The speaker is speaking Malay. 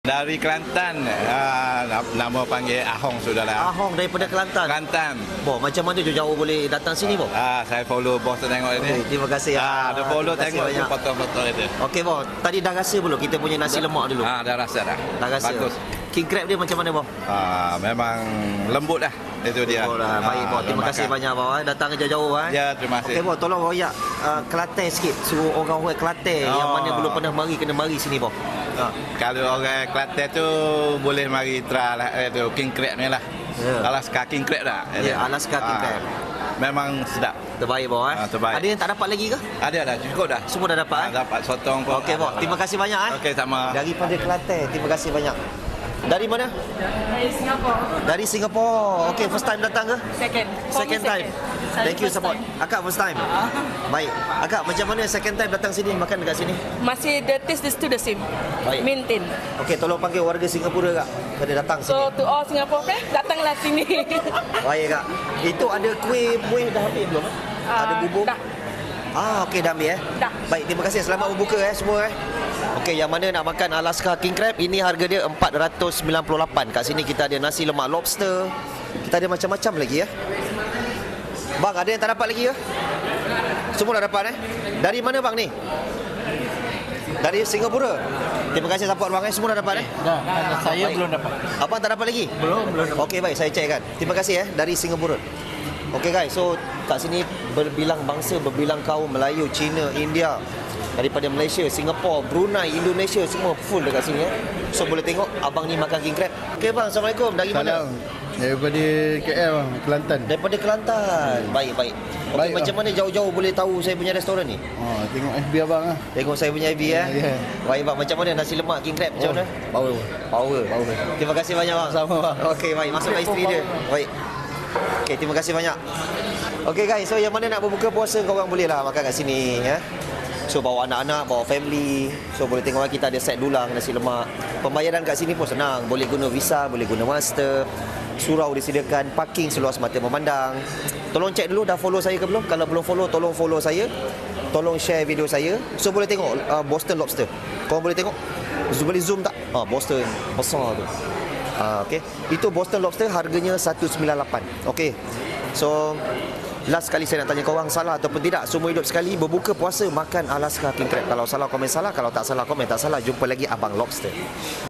Dari Kelantan, nama panggil Ahong sudahlah. Ahong daripada Kelantan. Kelantan. Boh, macam mana jauh-jauh boleh datang sini, Boh? Saya follow bos tengok ini. Terima kasih. Ada follow tengok tu foto-foto itu. Okey, Boh. Tadi dah rasa belum kita punya nasi lemak dulu? Dah rasa dah. Dah rasa. Bagus. King crab dia macam mana, Boh? Memang lembut dah. Itu dia. Oh dah, baik, Boh. Terima kasih banyak, Boh. Datang jauh-jauh. Ya, terima kasih. Okey, Boh. Tolong royak Kelantan sikit. Suruh orang-orang Kelantan yang mana belum pernah mari, kena mari sini, Boh. Kalau orang Kelantan tu boleh mari try lah itu king crab ni lah. Alaska king crab dah. Ya, Alaska king crab. Memang sedap. Terbaik, Boh. Terbaik. Ada yang tak dapat lagi ke? Ada dah, cukup dah. Semua dah dapat. Dapat sotong pun. Okey, Boh. Terima kasih banyak. Okey, sama. Daripada Kelantan. Terima kasih banyak. Dari mana? Dari Singapura. Dari Singapura. Okey, first time datang ke? Second time. Thank you support. Akak first time. Baik. Akak macam mana second time datang sini makan dekat sini? Masih the taste is still the same. Baik. Maintain. Okey, tolong panggil warga Singapura kak. Pada datang sini. So to all Singapore friends, datanglah sini. Baik kak. Itu ada kuih dah habis belum? Ada bubur? Dah. Okey dah ambil Dah. Baik, terima kasih. Selamat berbuka semua Okey, yang mana nak makan Alaska king crab, ini harga dia 498. Kat sini kita ada nasi lemak lobster. Kita ada macam-macam lagi Bang, ada yang tak dapat lagi ke? Semua dah dapat Dari mana bang ni? Dari Singapura. Terima kasih support bang semua dah dapat Dah, saya belum dapat. Abang tak dapat lagi? Belum dapat. Okey, baik, saya check kan. Terima kasih dari Singapura. Okey guys, so kat sini berbilang bangsa, berbilang kaum, Melayu, Cina, India, daripada Malaysia, Singapura, Brunei, Indonesia, semua full dekat sini So boleh tengok abang ni makan king crab. Okey bang, Assalamualaikum. Dari mana? Daripada KL, Kelantan. Daripada Kelantan. Baik. Okey, Baik, macam mana jauh-jauh boleh tahu saya punya restoran ni? Tengok FB abang lah. Tengok saya punya FB Ya. Baik bang, macam mana nasi lemak king crab? Macam mana? Power. Terima kasih banyak bang. Sama bang. Okey, baik. Masukkan isteri dia. Baik. Okey, terima kasih banyak. Okey guys, so yang mana nak berbuka puasa korang boleh lah makan kat sini So bawa anak-anak, bawa family. So boleh tengok kita ada set dulang nasi lemak. Pembayaran kat sini pun senang. Boleh guna Visa, boleh guna Master. Surau disediakan, parking seluas mata memandang. Tolong cek dulu dah follow saya ke belum. Kalau belum follow, tolong follow saya. Tolong share video saya. So boleh tengok Boston Lobster. Korang boleh tengok. Boleh zoom tak? Boston besar tu. Okey. Itu Boston Lobster harganya 198. Okey. So last kali saya nak tanya korang, salah ataupun tidak, semua hidup sekali berbuka puasa makan Alaska king crab. Kalau salah komen salah, kalau tak salah komen tak salah. Jumpa lagi Abang Lobster.